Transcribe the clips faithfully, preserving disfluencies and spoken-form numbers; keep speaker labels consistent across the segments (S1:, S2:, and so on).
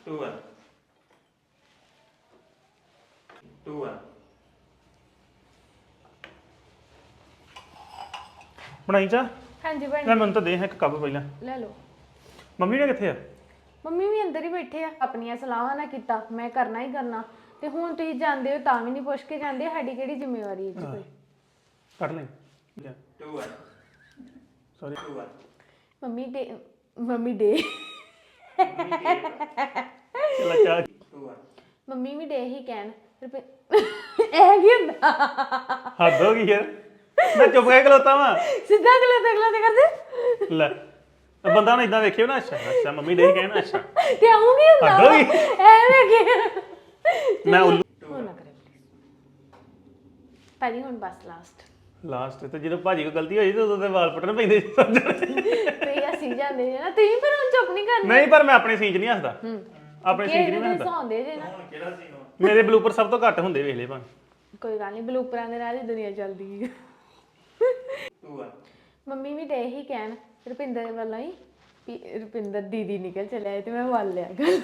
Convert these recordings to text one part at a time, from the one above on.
S1: two one two one
S2: ਬਣਾਈ ਚਾ
S3: ਹਾਂਜੀ ਬਣ
S2: ਮੈਂ ਮੈਨੂੰ ਤਾਂ ਦੇ ਇੱਕ ਕੱਪ ਪਹਿਲਾਂ
S3: ਲੈ ਲਓ
S2: ਮੰਮੀ ਨੇ ਕਿੱਥੇ ਆ
S3: ਮੰਮੀ ਵੀ ਅੰਦਰ ਹੀ ਬੈਠੇ ਆ ਆਪਣੀਆਂ ਸਲਾਹਾਂ ਨਾ ਕੀਤਾ ਮੈਂ ਕਰਨਾ ਹੀ ਕਰਨਾ ਤੇ ਹੁਣ ਤੁਸੀਂ ਜਾਂਦੇ ਹੋ ਤਾਂ ਵੀ ਨਹੀਂ ਪੁੱਛ ਕੇ ਜਾਂਦੇ ਸਾਡੀ ਕਿਹੜੀ ਜ਼ਿੰਮੇਵਾਰੀ ਹੈ ਜੀ ਕੋਈ
S2: ਕੱਢ ਲੈ
S1: two one
S2: sorry
S1: two one
S3: mummy ਦੇ ਮੰਮੀ ਦੇ
S2: ਚਲਾ ਚਾ
S1: two one
S3: ਮੰਮੀ ਵੀ ਦੇ ਹੀ ਕਹਿਣ ਰੁਪਏ ਇਹ ਕੀ ਹੁੰਦਾ
S2: ਹੱਦ ਹੋ ਗਈ ਯਾਰ ਮੈਂ ਚੁੱਪ ਕਰਕੇ ਖਲੋਤਾ ਵਾਂ
S3: ਸਿੱਧਾ ਅਗਲੇ ਤੇ ਅਗਲੇ ਤੇ ਕਰਦੇ
S2: ਲੈ ਤਾਂ ਬੰਦਾ ਨਾ ਇਦਾਂ ਵੇਖਿਓ ਨਾ ਅੱਛਾ ਅੱਛਾ ਮੰਮੀ ਦੇ ਕਹਿਣਾ ਅੱਛਾ
S3: ਤੇ ਆਉਂ ਕੀ ਹੁੰਦਾ
S2: ਹੱਦ ਹੋ ਗਈ
S3: ਐਵੇਂ ਕੀ
S2: ਮੈਂ ਉੱਲੂ
S3: ਹੋ ਨਾ ਕਰੇ ਪਹਿਲੀ ਹੁਣ ਬਸ ਲਾਸਟ
S2: ਲਾਸਟ ਤੇ ਜਦੋਂ ਭਾਜੀ ਕੋ ਗਲਤੀ ਹੋਈ ਤੇ ਉਦੋਂ ਤੇ ਵਾਲ ਪਟਣ ਪੈਂਦੇ ਸੀ ਸਮਝ
S3: ਤੇ ਅਸੀਂ ਜਾਂਦੇ ਨੇ ਨਾ ਤੁਸੀਂ ਫਿਰ ਹੁਣ ਚੁੱਪ ਨਹੀਂ ਕਰਨਾ
S2: ਨਹੀਂ ਪਰ ਮੈਂ ਆਪਣੇ ਸੀਨ 'ਚ ਨਹੀਂ ਹੱਸਦਾ ਆਪਣੇ ਸੀਨ 'ਚ ਨਹੀਂ ਮੈਂ
S3: ਕਿਹੜੇ
S2: ਹੱਸਦਾ
S3: ਸੌਂਦੇ ਜੇ ਨਾ
S1: ਕਿਹੜਾ ਸੀ
S2: ਮੇਰੇ ਬਲੂਪਰ ਸਭ ਤੋਂ ਘੱਟ ਹੁੰਦੇ ਵੇਖ ਲੈ ਭਾਂ
S3: ਕੋਈ ਗੱਲ ਨਹੀਂ ਬਲੂਪਰਾਂ ਦੇ ਨਾਲ ਹੀ ਦੁਨੀਆ ਚੱਲਦੀ ਹੈ
S1: two one
S3: ਮੰਮੀ ਵੀ ਤੇ ਇਹੀ ਕਹਿਣ ਰੁਪਿੰਦਰ ਵੱਲੋਂ ਹੀ ਵੀ ਰੁਪਿੰਦਰ ਦੀਦੀ ਨਿਕਲ ਚਲਿਆ ਤੇ ਮੈਂ ਵੱਲ ਲਿਆ ਗੱਲ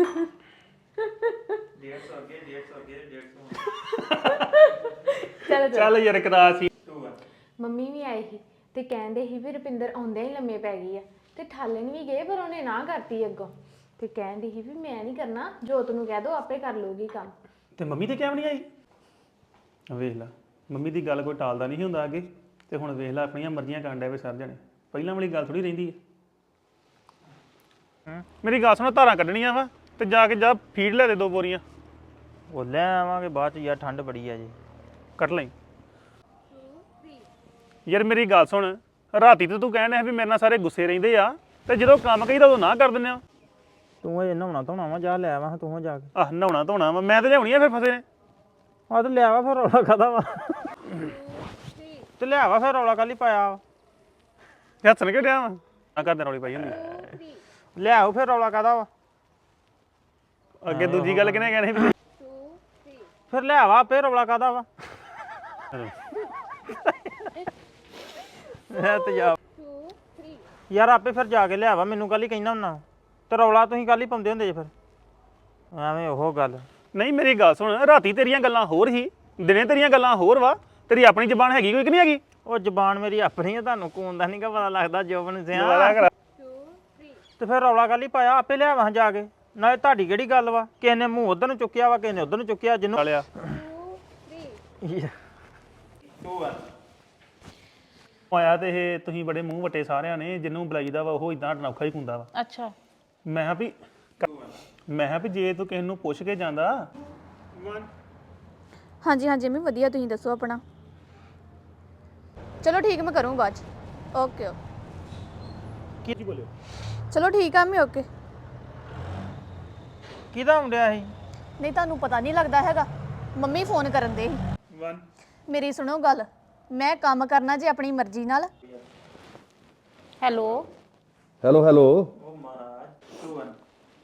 S1: ਡੇਢ ਸੌ ਅੱਗੇ ਡੇਢ ਸੌ ਅੱਗੇ ਡੇਢ ਸੌ
S3: ਚਲੋ ਚਲੋ
S2: ਚੱਲ ਯਾਰ ਕਰਾ ਸੀ
S1: two one
S3: ਮੰਮੀ ਵੀ ਆਈ ਸੀ ਤੇ ਕਹਿੰਦੇ ਸੀ ਵੀ ਰੁਪਿੰਦਰ ਆਉਂਦਿਆਂ ਹੀ ਲੰਮੇ ਪੈ ਗਈ ਆ ਤੇ ਠਾਲਣ ਵੀ ਗਏ ਪਰ ਉਹਨੇ ਨਾ ਕਰਤੀ ਅੱਗੋਂ ਤੇ ਕਹਿੰਦੀ ਸੀ ਵੀ ਮੈਂ ਨਹੀਂ ਕਰਨਾ ਜੋਤ ਨੂੰ ਕਹਿ ਦੋ ਆਪੇ ਕਰ ਲੂਗੀ ਕੰਮ
S2: ਤੇ ਮੰਮੀ ਤੇ ਕਿਉਂ ਨਹੀਂ ਆਈ ਵੇਖ ਲੈ ਮੰਮੀ ਦੀ ਗੱਲ ਕੋਈ ਟਾਲਦਾ ਨਹੀਂ ਹੁੰਦਾ ਅੱਗੇ ਤੇ ਹੁਣ ਵੇਖ ਲੈ ਆਪਣੀਆਂ ਮਰਜ਼ੀਆਂ ਕਰਨ ਡੈ ਵੇ ਸਰ ਜਾਣੇ ਪਹਿਲਾਂ ਵਾਲੀ ਗੱਲ ਥੋੜੀ ਰਹਿੰਦੀ ਹੈ ਮੇਰੀ ਗੱਲ ਸੁਣੋ ਧਾਰਾਂ ਕੱਢਣੀਆਂ ਵਾ ਤੇ ਜਾ ਕੇ ਜਾ ਫੀਡ ਲੈ ਦੇ ਦੋ ਬੋਰੀਆਂ
S4: ਉਹ ਲੈ ਆਵਾਂਗੇ ਬਾਅਦ ਚ ਯਾਰ ਠੰਡ ਬੜੀ ਆ ਜੀ
S2: ਕੱਢ ਲਈ ਯਾਰ ਮੇਰੀ ਗੱਲ ਸੁਣ ਰਾਤੀ ਤੇ ਤੂੰ ਕਹਿਣ ਹੈ ਵੀ ਮੇਰੇ ਨਾਲ ਸਾਰੇ ਗੁੱਸੇ ਰਹਿੰਦੇ ਆ ਤੇ ਜਦੋਂ ਕੰਮ ਕਹੀਦਾ ਉਦੋਂ ਨਾ ਕਰ ਦਿੰਦੇ ਆ
S4: ਤੂੰ ਇਹ ਨਹਾਉਣਾ ਧੋਣਾ ਵਾ ਜਾ ਲੈ ਆਵਾਂ ਤੂੰ ਜਾ ਕੇ
S2: ਆਹ ਨਹਾਉਣਾ ਧੋਣਾ ਵਾ ਮੈਂ ਤੇ ਲਿਆਉਣੀ ਆ ਫਿਰ ਫਸੇ ਨੇ
S4: ਆ ਤੇ ਲਿਆਵਾ ਫਿਰ ਰੌਲਾ ਕਾਦਾ ਵਾ ਤੇ ਲਿਆਵਾ ਫਿਰ ਰੌਲਾ ਕਾਲੀ ਪਾਇਆ ਵਾ?
S2: ਹੱਸਣ ਕਿਉਂ ਡਿਆ ਵਾ ਆ ਕਰਦੇ ਰੌਲੀ ਪਾਈ ਹੁੰਦੀ
S4: ਲਿਆਓ ਫਿਰ ਰੌਲਾ ਕਾਦਾ ਵਾ
S2: ਅੱਗੇ ਦੂਜੀ ਗੱਲ ਕਿਹਨੇ ਕਹਿਣੀ ਵੀ
S4: ਫਿਰ ਲਿਆਵਾ ਆਪੇ ਰੌਲਾ ਕਾਦਾ ਵਾ ਮੈਂ ਤੇ ਜਾ ਯਾਰ ਆਪੇ ਫਿਰ ਜਾ ਕੇ ਲਿਆਵਾ ਮੈਨੂੰ ਕੱਲ ਹੀ ਕਹਿੰਦਾ ਹੁੰਨਾ ਤੇ ਰੌਲਾ ਤੁਸੀਂ ਕੱਲ ਹੀ ਪਾਉਂਦੇ ਹੁੰਦੇ ਜੇ ਫਿਰ ਐਵੇਂ ਉਹ ਗੱਲ
S2: ਨਹੀਂ ਮੇਰੀ ਗੱਲ ਸੁਣ ਰਾਤੀ ਤੇਰੀਆਂ ਗੱਲਾਂ ਹੋਰ ਹੀ ਦਿਨੇ ਤੇਰੀਆਂ ਗੱਲਾਂ ਹੋਰ ਵਾ ਤੇਰੀ ਆਪਣੀ ਜ਼ਬਾਨ ਹੈਗੀ ਕੋਈ ਕਿ ਨਹੀਂ ਹੈਗੀ
S4: ਉਹ ਜ਼ਬਾਨ ਮੇਰੀ ਆਪਣੀ ਆ ਤੁਹਾਨੂੰ ਕੋਣ ਦਾ ਨਹੀਂਗਾ ਪਤਾ ਲੱਗਦਾ ਜੋਬਨ ਸਿਆ
S2: ਦੁਬਾਰਾ ਕਰਾ
S4: ਤੇ ਫਿਰ ਰੌਲਾ ਕੱਲ ਹੀ ਪਾਇਆ ਆਪੇ ਲਿਆਵਾਂ ਜਾ ਕੇ ਨਾਲੇ ਤੁਹਾਡੀ ਕਿਹੜੀ ਗੱਲ ਵਾ ਕਿਸੇ ਨੇ ਮੂੰਹ ਉਧਰ ਨੂੰ ਚੁੱਕਿਆ ਵਾ ਕਿਸੇ ਨੇ ਉਧਰ ਨੂੰ ਚੁੱਕਿਆ ਜਿਹਨੂੰ
S2: ਵਾਲਿਆ
S1: two one
S2: ਆਇਆ ਤੇ ਇਹ ਤੁਸੀਂ ਬੜੇ ਮੂੰਹ ਵਟੇ ਸਾਰਿਆਂ ਨੇ ਜਿਹਨੂੰ ਬੁਲਾਈਦਾ ਵਾ ਉਹ ਇਦਾਂ ਅਨੌਖਾ ਹੀ ਹੁੰਦਾ ਵਾ
S3: ਅੱਛਾ
S2: ਮੈਂ ਕਿਹਾ ਵੀ ਮੈਂ ਕਿਹਾ ਵੀ ਜੇ ਤੂੰ ਕਿਸੇ ਨੂੰ ਪੁੱਛ ਕੇ ਜਾਂਦਾ
S5: ਹਾਂਜੀ ਹਾਂਜੀ ਮੈਂ ਵਧੀਆ ਤੁਸੀਂ ਦੱਸੋ ਆਪਣਾ ਚਲੋ ਠੀਕ ਮੈਂ ਕਰੂੰ ਬਾਅਦ ਚ ਓਕੇ ਓਕੇ
S2: ਕੀ ਬੋਲਿਓ
S5: ਚਲੋ ਠੀਕ ਆ ਮੈਂ ਓਕੇ
S4: ਕਿਹਦਾ ਹੁੰਦਿਆ ਸੀ
S5: ਨਹੀਂ ਤੁਹਾਨੂੰ ਪਤਾ ਨਹੀਂ ਲੱਗਦਾ ਹੈਗਾ ਮੰਮੀ ਫੋਨ ਕਰਨ ਦੇ ਸੀ
S2: one
S5: ਮੇਰੀ ਸੁਣੋ ਗੱਲ ਮੈਂ ਕੰਮ ਕਰਨਾ ਜੇ ਆਪਣੀ ਮਰਜ਼ੀ ਨਾਲ ਹੈਲੋ
S6: ਹੈਲੋ ਹੈਲੋ
S1: ਉਹ ਮਹਾਰਾਜ two one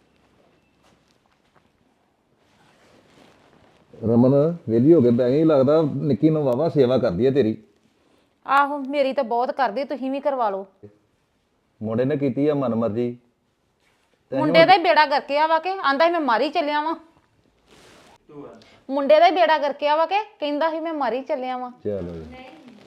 S6: ਰਮਨ ਵੇਲੀ ਹੋ ਕੇ ਬੈ ਗਈ ਲੱਗਦਾ ਨਿੱਕੀ ਨੂੰ ਵਾਵਾ ਸੇਵਾ ਕਰਦੀ ਹੈ ਤੇਰੀ
S3: ਆਹੋ ਮੇਰੀ ਤਾਂ ਬਹੁਤ ਕਰਦੀ ਤੁਸੀਂ ਵੀ ਕਰਵਾ ਲਓ
S6: ਮੁੰਡੇ ਨੇ ਕੀਤੀ ਆ ਮਨਮਰਜ਼ੀ
S3: ਮੁੰਡੇ ਦਾ ਹੀ ਬੇੜਾ ਕਰਕੇ ਆਵਾ ਕੇ ਆਂਦਾ ਸੀ ਮੈਂ ਮਾਰੀ ਚੱਲਿਆ ਵਾਂ
S1: two one
S3: ਮੁੰਡੇ ਦਾ ਹੀ ਬੇੜਾ ਕਰਕੇ ਆਵਾ ਕੇ ਕਹਿੰਦਾ ਸੀ ਮੈਂ ਮਾਰੀ ਚੱਲਿਆ ਵਾਂ
S6: ਚਲੋ ਜੀ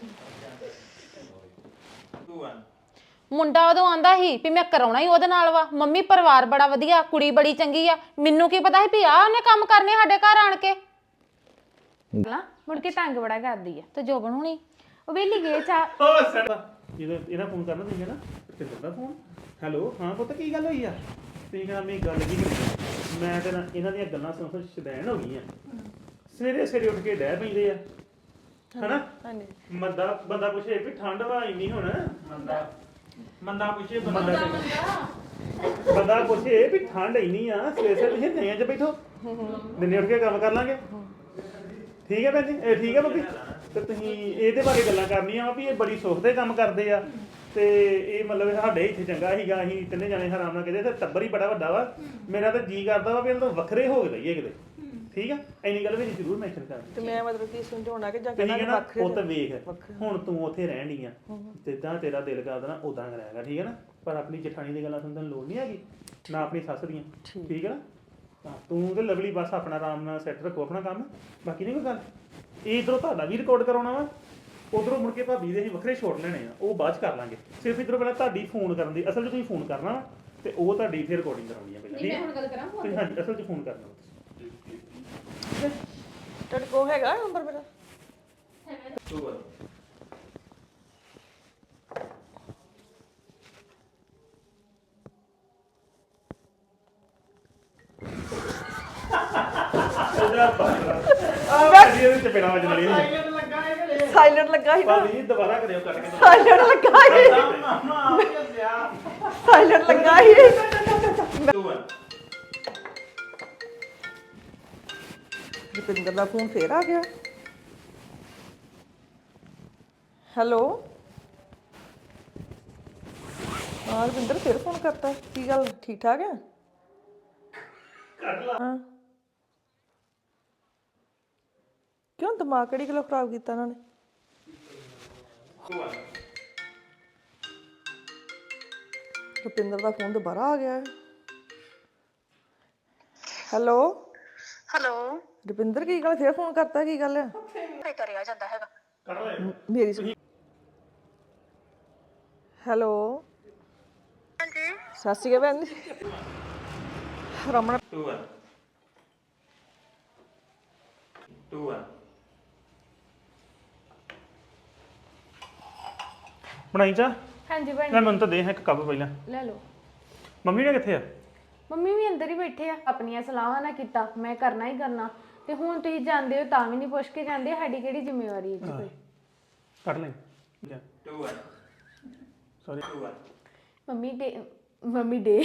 S1: two one
S3: ਮੁੰਡਾ ਉਦੋਂ ਆਂਦਾ ਸੀ ਵੀ ਮੈਂ ਕਰਾਉਣਾ ਹੀ ਉਹਦੇ ਨਾਲ ਵਾ ਮੰਮੀ ਪਰਿਵਾਰ ਬੜਾ ਵਧੀਆ ਕੁੜੀ ਬੜੀ ਚੰਗੀ ਆ ਮੈਨੂੰ ਕੀ ਪਤਾ ਸੀ ਵੀ ਆ ਉਹਨੇ ਕੰਮ ਕਰਨੇ ਸਾਡੇ ਘਰ ਆਣ ਕੇ ਨਾ ਮੁੜ ਕੇ ਤੰਗ ਬੜਾ ਕਰਦੀ ਆ ਤੇ ਜੋਬਨ ਹੁਣੀ ਉਹ ਵੇਲੀ ਗਏ ਚਾ
S2: ਇਹਦਾ ਇਹਦਾ ਫੋਨ ਕਰਨਾ ਤੁਸੀਂ ਨਾ ਤੇ ਕਰਦਾ ਫੋਨ ਹੈਲੋ ਹਾਂ ਪੁੱਤ ਕੀ ਗੱਲ ਹੋਈ ਆ ਤੁਸੀਂ ਕਹਿੰਦਾ ਮੇਰੀ ਗੱਲ ਕੀ ਕਰੀ ਮੈਂ ਤੇ ਨਾ ਇਹਨਾਂ ਦੀਆਂ ਗੱਲਾਂ ਸੁਣ ਸੁਣ ਸ਼ਦੈਣ ਹੋ ਗਈਆਂ ਸਵੇਰੇ ਸਵੇਰੇ ਉੱਠ ਕੇ ਡਹਿ ਪੈਂਦੇ ਆ ਹਨਾ ਹਾਂਜੀ ਬੰਦਾ ਬੰਦਾ ਪੁੱਛੇ ਵੀ ਠੰਡ ਵਾ ਇੰਨੀ ਹੁਣ
S1: ਮੰਦਾ ਮੰਦਾ ਪੁੱਛੇ
S2: ਬੰਦਾ ਬੰਦਾ ਪੁੱਛੇ ਵੀ ਠੰਡ ਇੰਨੀ ਆ ਸਵੇਰੇ ਸਵੇਰੇ ਤੁਸੀਂ ਨਿਆਂ 'ਚ ਬੈਠੋ ਦਿਨੇ ਉੱਠ ਕੇ ਕੰਮ ਕਰ ਲਾਂਗੇ ਠੀਕ ਹੈ ਭੈਣ ਜੀ ਇਹ ਠੀਕ ਹੈ ਬੱਬੀ ਤੇ ਤੁਸੀਂ ਇਹਦੇ ਬਾਰੇ ਗੱਲਾਂ ਕਰਨੀਆਂ ਵਾ ਵੀ ਇਹ ਬੜੀ ਸੁੱਖ ਦੇ ਕੰਮ ਕਰਦੇ ਆ ਤੇ ਇਹ ਮਤਲਬ ਸਾਡੇ ਇੱਥੇ ਚੰਗਾ ਸੀਗਾ ਅਸੀਂ ਤਿੰਨੇ ਜਾਣੇ ਆਰਾਮ ਨਾਲ ਕਹਿੰਦੇ ਤੇ ਟੱਬਰ ਹੀ ਬੜਾ ਵੱਡਾ ਵਾ ਮੇਰਾ ਤਾਂ ਜੀ ਕਰਦਾ ਵਾ ਵੀ ਇਹਨਾਂ ਤੋਂ ਵੱਖਰੇ ਹੋ ਗਏ ਕਿਤੇ ਠੀਕ ਆ ਇੰਨੀ ਗੱਲ ਵਿੱਚ ਜ਼ਰੂਰ ਮੈਂਸ਼ਨ ਕਰ
S7: ਤੇ ਮੈਂ ਮਤਲਬ ਕਿ ਸਮਝਾਉਣਾ ਕਿ ਜਾਂ
S2: ਕਹਿੰਦਾ
S7: ਕਹਿੰਦਾ ਵੱਖਰੇ
S2: ਉਹ ਤਾਂ ਵੇਖ ਹੁਣ ਤੂੰ ਉੱਥੇ ਰਹਿਣ ਡਈ ਆ ਜਿੱਦਾਂ ਤੇਰਾ ਦਿਲ ਕਰਦਾ ਨਾ ਉਦਾਂ ਕਰਾਂਗਾ ਠੀਕ ਹੈ ਨਾ ਪਰ ਆਪਣੀ ਜਠਾਣੀ ਦੀ ਗੱਲਾਂ ਸੁਣਨ ਦੀ ਲੋੜ ਨਹੀਂ ਹੈਗੀ ਨਾ ਆਪਣੀ ਸੱਸ ਦੀਆਂ ਠੀਕ ਹੈ ਨਾ ਤਾਂ ਤੂੰ ਤੇ ਲਵਲੀ ਬਸ ਆਪਣਾ ਆਰਾਮ ਨਾਲ ਸੈੱਟ ਰੱਖੋ ਆਪਣਾ ਕੰਮ, ਬਾਕੀ ਨਹੀਂ ਕੋਈ ਗੱਲ। ਇਹ ਇਧਰੋਂ ਤੁਹਾਡਾ ਵੀ ਰਿਕਾਰਡ ਕਰਾਉਣਾ ਵਾ, ਉਧਰੋਂ ਮੁੜ ਕੇ ਭਾਬੀ ਦੇ ਅਸੀਂ ਵੱਖਰੇ ਛੋਟ ਲੈਣੇ ਆ, ਉਹ ਬਾਅਦ ਚ ਕਰ ਲਾਂਗੇ। ਸਿਰਫ ਇਧਰੋਂ ਪਹਿਲਾਂ ਤੁਹਾਡੀ ਫੋਨ ਕਰਨ ਦੀ, ਅਸਲ 'ਚ ਤੁਸੀਂ ਫੋਨ ਕਰਨਾ ਵਾ ਤੇ ਉਹ ਤੁਹਾਡੀ ਫਿਰ ਰਿਕਾਰਡਿੰਗ ਕਰਾਉਣੀ ਆ ਪਹਿਲਾਂ। ਠੀਕ ਹੈ, ਹੁਣ ਗੱਲ ਕਰਾਂ ਤੁਸੀਂ? ਹਾਂਜੀ, ਅਸਲ 'ਚ ਫੋਨ ਕਰਨਾ ਤੁਸੀਂ।
S7: ਤੁਹਾਡੇ ਕੋਲ ਹੈਗਾ ਨੰਬਰ ਮੇਰਾ?
S1: ਟੂ ਵਨ
S2: ਭਾਬੀ ਇਹਦੇ ਚ ਪੇੜਾ ਵੱਜਣ ਵਾਲੀ ਨਹੀਂ।
S7: ਸਾਇਲੈਂਟ ਲੱਗਾ ਸੀ ਨਾ,
S2: ਭਾਬੀ ਦੁਬਾਰਾ ਕਰਿਓ ਕੱਟ ਕੇ।
S7: ਸਾਇਲੈਂਟ ਲੱਗਾ ਸੀ, ਸਾਇਲੈਂਟ ਲੱਗਾ ਸੀ।
S1: ਟੂ ਵਨ
S7: ਰੁਪਿੰਦਰ ਦਾ ਫੋਨ ਫੇਰ ਆ ਗਿਆ। ਹੈਲੋ, ਹਾਂ ਰੁਪਿੰਦਰ ਫੇਰ ਫੋਨ ਕਰਤਾ, ਕੀ ਗੱਲ ਠੀਕ ਠਾਕ ਹੈ? ਹਾਂ, ਕਿਉਂ ਦਿਮਾਗ ਕਿਹੜੀ ਗੱਲੋਂ ਖਰਾਬ ਕੀਤਾ ਇਹਨਾਂ ਨੇ?
S1: ਟੂ ਵਨ
S7: ਰੁਪਿੰਦਰ ਦਾ ਫੋਨ ਦੁਬਾਰਾ ਆ ਗਿਆ ਹੈ। ਹੈਲੋ
S8: ਹੈਲੋ,
S7: ਰੁਪਿੰਦਰ ਕੀ ਗੱਲ ਫੇਰ ਫੋਨ ਕਰਤਾ, ਕੀ ਗੱਲ ਹੈ?
S8: ਨਹੀਂ ਕਰਿਆ ਜਾਂਦਾ ਹੈਗਾ।
S7: ਮੇਰੀ ਸੁਣ। ਹੈਲੋ,
S8: ਹਾਂਜੀ,
S7: ਸਤਿ ਸ਼੍ਰੀ ਅਕਾਲ ਭੈਣ ਜੀ। Raman
S1: two one two one
S2: ਬਣਾਈ ਚਾ
S3: ਹਾਂਜੀ ਭੈਣ
S2: ਮੈਂ ਮੈਨੂੰ ਤਾਂ ਦੇ ਇੱਕ ਕੱਪ ਪਹਿਲਾਂ।
S3: ਲੈ ਲਓ।
S2: ਮੰਮੀ ਨੇ ਕਿੱਥੇ ਆ?
S3: ਮੰਮੀ ਵੀ ਅੰਦਰ ਹੀ ਬੈਠੇ ਆ, ਆਪਣੀਆਂ ਸਲਾਹਾਂ ਨਾ ਕੀਤਾ, ਮੈਂ ਕਰਨਾ ਹੀ ਕਰਨਾ। ਤੇ ਹੁਣ ਤੁਸੀਂ ਜਾਂਦੇ ਹੋ ਤਾਂ ਵੀ ਨਹੀਂ ਪੁੱਛ ਕੇ ਜਾਂਦੇ, ਸਾਡੀ ਕਿਹੜੀ ਜ਼ਿੰਮੇਵਾਰੀ ਹੈ ਜੀ ਕੋਈ?
S2: ਕੱਢ ਲੈ।
S1: Two one
S2: sorry.
S1: Two one
S3: mummy day mummy day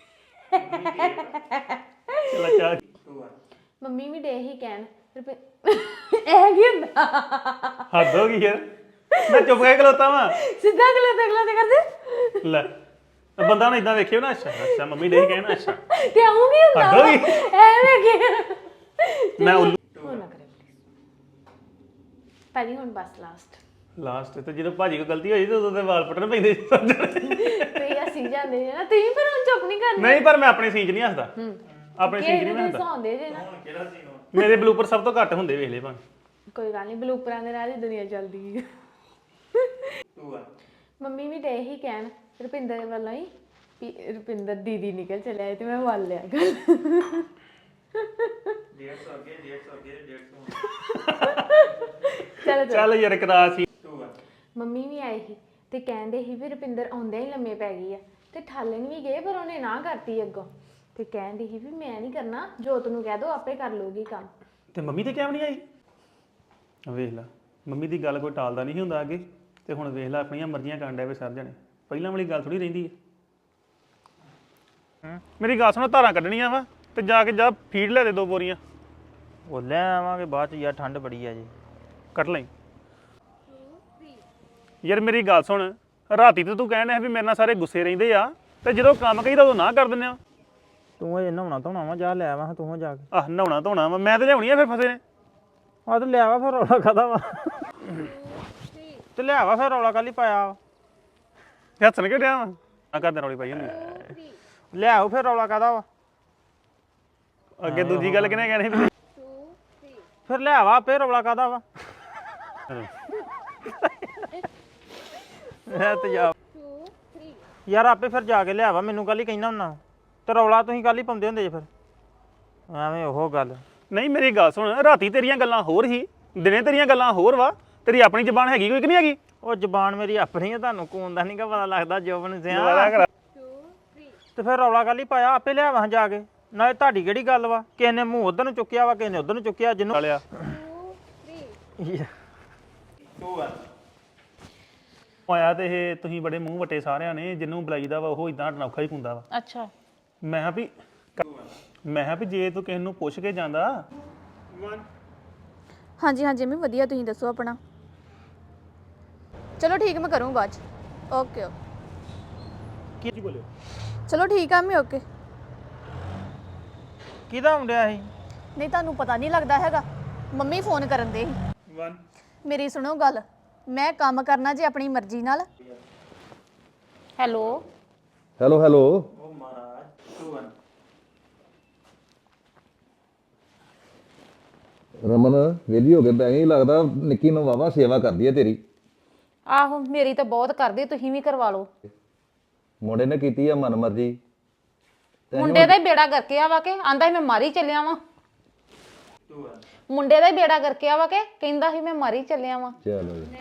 S2: ਚਲਾ ਚਾ।
S1: ਟੂ ਵਨ
S3: ਮੰਮੀ ਵੀ ਡੇ ਹੀ ਕਹਿਣ ਰੁਪਏ ਇਹ ਕੀ ਹੁੰਦਾ?
S2: ਹੱਦ ਹੋ ਗਈ ਯਾਰ, ਮੈਂ ਚੁੱਪ ਕਰਕੇ ਖਲੋਤਾ ਵਾਂ।
S3: ਸਿੱਧਾ ਅਗਲੇ ਤੇ ਅਗਲੇ ਤੇ ਕਰਦੇ
S2: ਲੈ ਬੰਦਾ ਨਾ ਇਦਾਂ ਵੇਖਿਓ ਨਾ, ਅੱਛਾ ਅੱਛਾ ਮੰਮੀ ਦੇ ਕਹਿਣਾ, ਅੱਛਾ
S3: ਤੇ ਆਉਂ ਕੀ ਹੁੰਦਾ?
S2: ਹੱਦ ਹੋ ਗਈ।
S3: ਐਵੇਂ ਕੀ
S2: ਮੈਂ ਉੱਲੂ
S3: ਹੋ ਨਾ ਕਰੇ ਪਹਿਲੀ ਹੁਣ ਬਸ ਲਾਸਟ
S2: ਲਾਸਟ ਤੇ ਜਦੋਂ ਭਾਜੀ ਕੋ ਗਲਤੀ ਹੋਈ ਤੇ ਉਦੋਂ ਤੇ ਵਾਲ ਪਟਣ ਪੈਂਦੇ ਸੀ ਸਮਝ।
S3: ਤੇ ਅਸੀਂ ਜਾਂਦੇ ਜੇ ਨਾ, ਤੁਸੀਂ ਫਿਰ ਹੁਣ ਚੁੱਪ ਨਹੀਂ ਕਰਨਾ।
S2: ਨਹੀਂ ਪਰ ਮੈਂ ਆਪਣੇ ਸੀਨ 'ਚ ਨਹੀਂ ਹੱਸਦਾ, ਆਪਣੇ ਸੀਨ 'ਚ ਨਹੀਂ ਮੈਂ ਹੱਸਦਾ।
S3: ਸੌਂਦੇ ਜੇ ਨਾ,
S1: ਕਿਹੜਾ ਸੀ
S2: ਮੇਰੇ ਬਲੂਪਰ ਸਭ ਤੋਂ ਘੱਟ ਹੁੰਦੇ ਵੇਖ ਲੈ ਭਾਵੇਂ।
S3: ਕੋਈ ਗੱਲ ਨਹੀਂ, ਬਲੂਪਰਾਂ ਦੇ ਨਾਲ ਹੀ ਦੁਨੀਆ ਚੱਲਦੀ ਹੈ।
S1: ਟੂ ਵਨ
S3: ਮੰਮੀ ਵੀ ਡੇ ਹੀ ਕਹਿਣ ਰੁਪਿੰਦਰ ਵੱਲੋਂ ਹੀ ਵੀ ਰੁਪਿੰਦਰ ਦੀਦੀ ਨਿਕਲ ਚਲਿਆ ਤੇ ਮੈਂ ਵੱਲ ਲਿਆ ਗੱਲ।
S1: ਡੇਢ ਸੌ ਅੱਗੇ ਡੇਢ ਸੌ ਅੱਗੇ ਡੇਢ ਸੌ
S3: ਚਲੋ ਚਲੋ।
S2: ਚੱਲ ਯਾਰ ਕਰਾ ਸੀ।
S1: ਟੂ ਵਨ
S3: ਮੰਮੀ ਵੀ ਆਈ ਸੀ ਤੇ ਕਹਿੰਦੇ ਸੀ ਵੀ ਰੁਪਿੰਦਰ ਆਉਂਦਿਆਂ ਹੀ ਲੰਮੇ ਪੈ ਗਈ ਆ, ਤੇ ਠਾਲਣ ਵੀ ਗਏ ਪਰ ਉਹਨੇ ਨਾ ਕਰਤੀ ਅੱਗੋਂ, ਤੇ ਕਹਿੰਦੀ ਸੀ ਵੀ ਮੈਂ ਨਹੀਂ ਕਰਨਾ, ਜੋਤ ਨੂੰ ਕਹਿ ਦੋ ਆਪੇ ਕਰ ਲੂਗੀ ਕੰਮ।
S2: ਤੇ ਮੰਮੀ ਤੇ ਕਿਉਂ ਨਹੀਂ ਆਈ? ਵੇਖ ਲੈ, ਮੰਮੀ ਦੀ ਗੱਲ ਕੋਈ ਟਾਲਦਾ ਨਹੀਂ ਹੁੰਦਾ ਅੱਗੇ, ਤੇ ਹੁਣ ਵੇਖ ਲੈ ਆਪਣੀਆਂ ਮਰਜ਼ੀਆਂ ਕਰਨ ਡਿਆ ਵੇ ਸਰ ਜਣੇ। ਪਹਿਲਾਂ ਵਾਲੀ ਗੱਲ ਥੋੜੀ ਰਹਿੰਦੀ ਹੈ। ਮੇਰੀ ਗੱਲ ਸੁਣੋ, ਧਾਰਾਂ ਕੱਢਣੀਆਂ ਵਾ ਤੇ ਜਾ ਕੇ ਜਾ ਫੀਡ ਲੈ ਦੇ ਦੋ ਬੋਰੀਆਂ।
S4: ਉਹ ਲੈ ਆਵਾਂਗੇ ਬਾਅਦ ਚ ਯਾਰ, ਠੰਡ ਬੜੀ ਆ ਜੀ।
S2: ਕੱਢ ਲਈ ਯਾਰ। ਮੇਰੀ ਗੱਲ ਸੁਣ, ਰਾਤੀ ਤੇ ਤੂੰ ਕਹਿਣ ਹੈ ਵੀ ਮੇਰੇ ਨਾਲ ਸਾਰੇ ਗੁੱਸੇ ਰਹਿੰਦੇ ਆ, ਤੇ ਜਦੋਂ ਕੰਮ ਕਹੀਦਾ ਉਦੋਂ ਨਾ ਕਰ ਦਿੰਦੇ ਆ।
S4: ਤੂੰ ਇਹ ਨਹਾਉਣਾ ਧੋਣਾ ਵਾ, ਜਾ ਲੈ ਆਵਾਂ ਤੂੰ ਜਾ ਕੇ।
S2: ਆਹ ਨਹਾਉਣਾ ਧੋਣਾ ਵਾ, ਮੈਂ ਤੇ ਲਿਆਉਣੀ ਆ ਫਿਰ ਫਸੇ ਨੇ।
S4: ਆ ਤੇ ਲਿਆਵਾ ਫਿਰ ਰੌਲਾ ਕਾਹਦਾ ਵਾ? ਤੇ ਲਿਆਵਾ ਫਿਰ ਰੌਲਾ ਕਾਹਲੀ ਪਾਇਆ ਵਾ?
S2: ਹੱਸਣ ਕਿਉਂ ਡਿਆ ਵਾ? ਆ ਕਰਦੇ ਰੌਲੀ ਪਾਈ ਹੁੰਦੀ।
S4: ਲਿਆਓ ਫਿਰ ਰੌਲਾ ਕਾਹਦਾ ਵਾ?
S2: ਅੱਗੇ ਦੂਜੀ ਗੱਲ ਕਿਹਨੇ ਕਹਿਣੀ ਸੀ?
S4: ਫਿਰ ਲਿਆਵਾ ਆਪੇ, ਰੌਲਾ ਕਾਹਦਾ ਵਾ? ਮੈਂ ਤੇ ਜਾ ਯਾਰ ਆਪੇ ਫਿਰ ਜਾ ਕੇ ਲਿਆਵਾ, ਮੈਨੂੰ ਕੱਲ ਹੀ ਕਹਿਣਾ ਹੁੰਨਾ। ਤੇ ਰੌਲਾ ਤੁਸੀਂ ਕੱਲ ਹੀ ਪਾਉਂਦੇ ਹੁੰਦੇ ਜੇ ਫਿਰ ਐਵੇਂ ਉਹ ਗੱਲ।
S2: ਨਹੀਂ ਮੇਰੀ ਗੱਲ ਸੁਣ, ਰਾਤੀ ਤੇਰੀਆਂ ਗੱਲਾਂ ਹੋਰ ਹੀ, ਦਿਨੇ ਤੇਰੀਆਂ ਗੱਲਾਂ ਹੋਰ ਵਾ। ਤੇਰੀ ਆਪਣੀ ਜ਼ਬਾਨ ਹੈਗੀ ਕੋਈ ਕਿ ਨਹੀਂ ਹੈਗੀ?
S4: ਉਹ ਜ਼ਬਾਨ ਮੇਰੀ ਆਪਣੀ ਆ, ਤੁਹਾਨੂੰ ਕੋਣ ਦਾ ਨਹੀਂਗਾ ਪਤਾ ਲੱਗਦਾ ਜੋਬਨ ਸਿਆ।
S2: ਦੁਬਾਰਾ ਕਰਾ।
S4: ਤੇ ਫਿਰ ਰੌਲਾ ਕੱਲ ਹੀ ਪਾਇਆ, ਆਪੇ ਲਿਆਵਾਂ ਜਾ ਕੇ। ਨਾਲੇ ਤੁਹਾਡੀ ਕਿਹੜੀ ਗੱਲ ਵਾ? ਕਿਸੇ ਨੇ ਮੂੰਹ ਉਧਰ ਨੂੰ ਚੁੱਕਿਆ ਵਾ, ਕਿਸੇ ਨੇ ਉਧਰ ਨੂੰ ਚੁੱਕਿਆ, ਜਿਹਨੂੰ
S2: ਵਾਲਿਆ
S1: ਟੂ ਵਨ
S2: ਆਇਆ ਤੇ ਇਹ ਤੁਸੀਂ ਬੜੇ ਮੂੰਹ ਵਟੇ ਸਾਰਿਆਂ ਨੇ, ਜਿਹਨੂੰ ਬੁਲਾਈਦਾ ਵਾ ਉਹ ਇਦਾਂ ਅਨੌਖਾ ਹੀ ਹੁੰਦਾ ਵਾ।
S3: ਅੱਛਾ,
S2: ਮੈਂ ਕਿਹਾ ਵੀ ਮੈਂ ਕਿਹਾ ਵੀ ਜੇ ਤੂੰ ਕਿਸੇ ਨੂੰ ਪੁੱਛ ਕੇ ਜਾਂਦਾ।
S5: ਹਾਂਜੀ ਹਾਂਜੀ ਮੈਂ ਵਧੀਆ, ਤੁਸੀਂ ਦੱਸੋ ਆਪਣਾ। ਚਲੋ ਠੀਕ, ਮੈਂ ਕਰੂੰ ਬਾਅਦ ਚ। ਓਕੇ ਓਕੇ
S2: ਕੀ ਬੋਲਿਓ?
S5: ਚਲੋ ਠੀਕ ਆ, ਮੈਂ ਓਕੇ।
S4: ਕਿਹਦਾ ਹੁੰਦਿਆ ਸੀ?
S5: ਨਹੀਂ ਤੁਹਾਨੂੰ ਪਤਾ ਨਹੀਂ ਲੱਗਦਾ ਹੈਗਾ, ਮੰਮੀ ਫੋਨ ਕਰਨ ਦੇ ਸੀ।
S2: ਵਨ
S5: ਮੇਰੀ ਸੁਣੋ ਗੱਲ, ਮੈਂ ਕੰਮ ਕਰਨਾ ਜੇ ਆਪਣੀ ਮਰਜ਼ੀ ਨਾਲ।
S3: Hello
S6: hello hello.
S1: ਉਹ ਮਹਾਰਾਜ ਟੂ ਵਨ
S6: ਰਮਨ ਵਿਹਲੀ ਹੋ ਕੇ ਬੈ ਗਈ ਲੱਗਦਾ ਨਿੱਕੀ ਨੂੰ ਵਾਵਾ ਸੇਵਾ ਕਰਦੀ ਹੈ ਤੇਰੀ।
S3: ਆਹੋ ਮੇਰੀ ਤਾਂ ਬਹੁਤ ਕਰਦੀ, ਤੁਸੀਂ ਵੀ ਕਰਵਾ ਲਓ।
S6: ਮੁੰਡੇ ਨੇ ਕੀਤੀ ਆ ਮਨਮਰਜ਼ੀ।
S3: ਮੁੰਡੇ ਦਾ ਹੀ ਬੇੜਾ ਕਰਕੇ ਆਵਾ ਕੇ ਆਂਦਾ ਸੀ ਮੈਂ ਮਾਰੀ ਚੱਲਿਆ ਵਾਂ।
S1: ਟੂ ਵਨ
S3: ਮੁੰਡੇ ਦਾ ਹੀ ਬੇੜਾ ਕਰਕੇ ਆਵਾ ਕੇ ਕਹਿੰਦਾ ਸੀ ਮੈਂ ਮਾਰੀ ਚੱਲਿਆ ਵਾਂ।
S6: ਚਲੋ ਜੀ।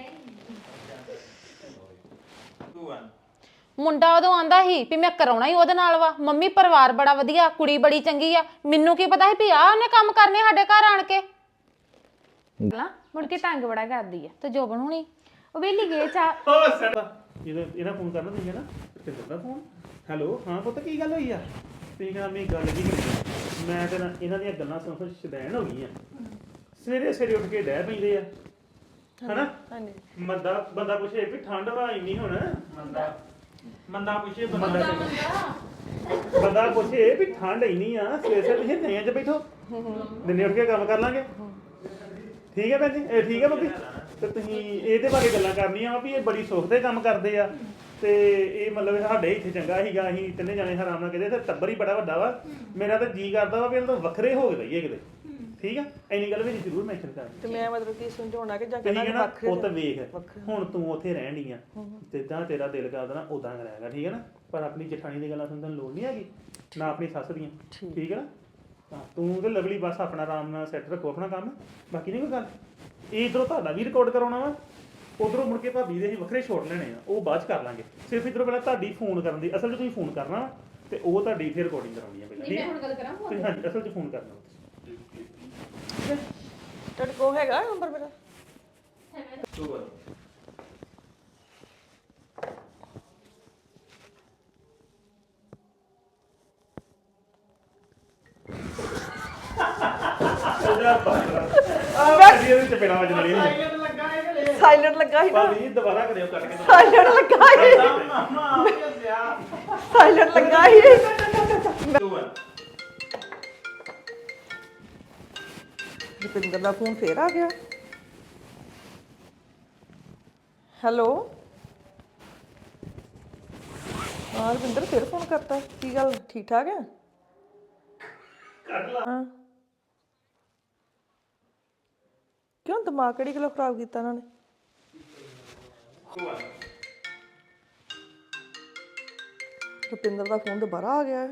S1: ਟੂ ਵਨ
S3: ਮੁੰਡਾ ਉਦੋਂ ਆਂਦਾ ਸੀ ਵੀ ਮੈਂ ਕਰਾਉਣਾ ਹੀ ਉਹਦੇ ਨਾਲ ਵਾ, ਮੰਮੀ ਪਰਿਵਾਰ ਬੜਾ ਵਧੀਆ, ਕੁੜੀ ਬੜੀ ਚੰਗੀ ਆ। ਮੈਨੂੰ ਕੀ ਪਤਾ ਸੀ ਵੀ ਆ ਉਹਨੇ ਕੰਮ ਕਰਨੇ ਸਾਡੇ ਘਰ ਆਣ ਕੇ। ਲਾ ਮੁੜ ਕੇ ਤੰਗ ਬੜਾ ਕਰਦੀ ਆ ਤੇ ਜੋਬਨ ਹੁਣੀ ਉਹ ਵੇਲੀ ਗਏ ਚਾ
S2: ਇਹਦਾ ਇਹਦਾ ਫੋਨ ਕਰਨਾ ਤੁਸੀਂ ਨਾ ਤੇ ਦਾ ਫੋਨ। ਹੈਲੋ ਹਾਂ ਪੁੱਤ ਕੀ ਗੱਲ ਹੋਈ ਆ? ਤੁਸੀਂ ਕਹਿੰਦਾ ਮੇਰੀ ਗੱਲ ਕੀ ਕਰੀ? ਮੈਂ ਤੇ ਨਾ ਇਹਨਾਂ ਦੀਆਂ ਗੱਲਾਂ ਸੁਣ ਸੁਣ ਸ਼ਦੈਣ ਹੋ ਗਈਆਂ। ਸਵੇਰੇ ਸਵੇਰੇ ਉੱਠ ਕੇ ਡਹਿ ਪੈਂਦੇ ਆ ਹਨਾ।
S7: ਹਾਂਜੀ
S2: ਮੰਦਾ ਬੰਦਾ ਪੁੱਛੇ ਵੀ ਠੰਡ ਵਾ ਇੰਨੀ ਹੁਣ।
S1: ਮੰਦਾ ਮੰਦਾ ਪੁੱਛੇ
S2: ਬੰਦਾ ਬੰਦਾ ਪੁੱਛੇ ਵੀ ਠੰਡ ਇੰਨੀ ਆ, ਸਵੇਰੇ ਸਵੇਰੇ ਤੁਸੀਂ ਨਿਆਂ 'ਚ ਬੈਠੋ, ਦਿਨੇ ਉੱਠ ਕੇ ਕੰਮ ਕਰ ਲਾਂਗੇ। ਠੀਕ ਹੈ ਭੈਣ ਜੀ, ਇਹ ਠੀਕ ਹੈ ਬੱਬੀ। ਤੇ ਤੁਸੀਂ ਇਹਦੇ ਬਾਰੇ ਗੱਲਾਂ ਕਰਨੀਆਂ ਵਾ ਵੀ ਇਹ ਬੜੀ ਸੁੱਖ ਦੇ ਕੰਮ ਕਰਦੇ ਆ ਤੇ ਇਹ ਮਤਲਬ ਸਾਡੇ ਇੱਥੇ ਚੰਗਾ ਸੀਗਾ, ਅਸੀਂ ਤਿੰਨੇ ਜਾਣੇ ਆਰਾਮ ਨਾਲ ਕਹਿੰਦੇ ਤੇ ਟੱਬਰ ਹੀ ਬੜਾ ਵੱਡਾ ਵਾ। ਮੇਰਾ ਤਾਂ ਜੀ ਕਰਦਾ ਵਾ ਵੀ ਇਹਨਾਂ ਤੋਂ ਵੱਖਰੇ ਹੋ ਕੇ ਰਹੀਏ ਕਿਤੇ। ਠੀਕ ਆ, ਇੰਨੀ ਗੱਲ ਵੀ ਜ਼ਰੂਰ ਮੈਂਸ਼ਨ ਕਰ।
S7: ਤੇ ਮੈਂ ਮਤਲਬ ਕੀ ਸਮਝਾਉਣਾ ਕਿ ਜਾਂ
S2: ਤੁਸੀਂ
S7: ਕਹਿੰਦਾ
S2: ਕਹਿਣਾ
S7: ਵੱਖਰੇ
S2: ਪੁੱਤ ਵੇਖ ਹੁਣ ਤੂੰ ਉੱਥੇ ਰਹਿਣ ਡਈ ਆ, ਜਿੱਦਾਂ ਤੇਰਾ ਦਿਲ ਕਰਦਾ ਨਾ ਉਦਾਂ ਕਰਾਂਗਾ। ਠੀਕ ਹੈ ਨਾ, ਪਰ ਆਪਣੀ ਜਠਾਣੀ ਦੀ ਗੱਲਾਂ ਸੁਣਨ ਦੀ ਲੋੜ ਨਹੀਂ ਹੈਗੀ, ਨਾ ਆਪਣੀ ਸੱਸ ਦੀਆਂ। ਠੀਕ ਹੈ ਨਾ, ਹਾਂ ਤੂੰ ਤੇ ਲਵਲੀ ਬਸ ਆਪਣਾ ਆਰਾਮ ਨਾਲ ਸੈੱਟ ਰੱਖੋ ਆਪਣਾ ਕੰਮ, ਬਾਕੀ ਨਹੀਂ ਕੋਈ ਗੱਲ। ਇਹ ਇੱਧਰੋਂ ਤੁਹਾਡਾ ਵੀ ਰਿਕਾਰਡ ਕਰਾਉਣਾ ਵਾ, ਉਧਰੋਂ ਮੁੜ ਕੇ ਭਾਬੀ ਦੇ ਅਸੀਂ ਵੱਖਰੇ ਛੋੜ ਲੈਣੇ ਆ, ਉਹ ਬਾਅਦ ਚ ਕਰ ਲਾਂਗੇ। ਸਿਰਫ ਇੱਧਰੋਂ ਪਹਿਲਾਂ ਤੁਹਾਡੀ ਫੋਨ ਕਰਨ ਦੀ, ਅਸਲ 'ਚ ਤੁਸੀਂ ਫੋਨ ਕਰਨਾ ਵਾ ਤੇ ਉਹ ਤੁਹਾਡੀ ਫਿਰ ਰਿਕਾਰਡਿੰਗ ਕਰਾਉਣੀ ਆ ਪਹਿਲਾਂ। ਠੀਕ ਹੈ ਹੁਣ ਗੱਲ ਕਰਾਂ ਤੁਸੀਂ? ਹਾਂਜੀ ਅਸਲ 'ਚ ਫੋਨ ਕਰਨਾ
S7: ਤੁਹਾਡੇ ਕੋਲ ਹੈਗਾ ਨੰਬਰ ਮੇਰਾ?
S1: ਟੂ ਵਨ
S2: ਭਾਬੀ ਇਹਦੇ ਚ ਪੈਣਾ ਵੱਜਣ ਵਾਲੀ
S7: ਸਾਇਲੈਂਟ ਲੱਗਾ ਸੀ ਨਾ।
S2: ਭਾਬੀ ਦੁਬਾਰਾ ਕਰਿਓ ਕੱਟ ਕੇ।
S7: ਸਾਇਲੈਂਟ ਲੱਗਾ ਸੀ ਸਾਇਲੈਂਟ ਲੱਗਾ ਸੀ।
S1: ਟੂ ਵਨ
S7: ਰੁਪਿੰਦਰ ਦਾ ਫੋਨ ਫੇਰ ਆ ਗਿਆ। ਹੈਲੋ ਹਾਂ ਰੁਪਿੰਦਰ ਫੇਰ ਫੋਨ ਕਰਤਾ, ਕੀ ਗੱਲ ਠੀਕ ਠਾਕ ਹੈ? ਹਾਂ ਕਿਉਂ ਦਿਮਾਗ ਕਿਹੜੀ ਗੱਲੋਂ ਖਰਾਬ ਕੀਤਾ ਇਹਨਾਂ ਨੇ?
S1: ਟੂ ਵਨ
S7: ਰੁਪਿੰਦਰ ਦਾ ਫੋਨ ਦੁਬਾਰਾ ਆ ਗਿਆ ਹੈ।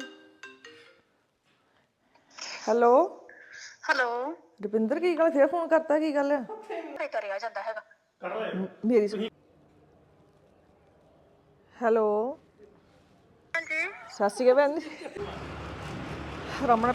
S7: ਹੈਲੋ
S8: ਹੈਲੋ
S7: ਰੁਪਿੰਦਰ ਕੀ ਗੱਲ ਫੇਰ ਫੋਨ ਕਰਤਾ, ਕੀ ਗੱਲ ਹੈ?
S8: ਨਹੀਂ ਕਰਿਆ ਜਾਂਦਾ ਹੈਗਾ।
S7: ਮੇਰੀ ਸੁਣ। ਹੈਲੋ
S8: ਹਾਂਜੀ
S7: ਸਤਿ ਸ਼੍ਰੀ ਅਕਾਲ ਭੈਣ ਜੀ। ਰਮਨ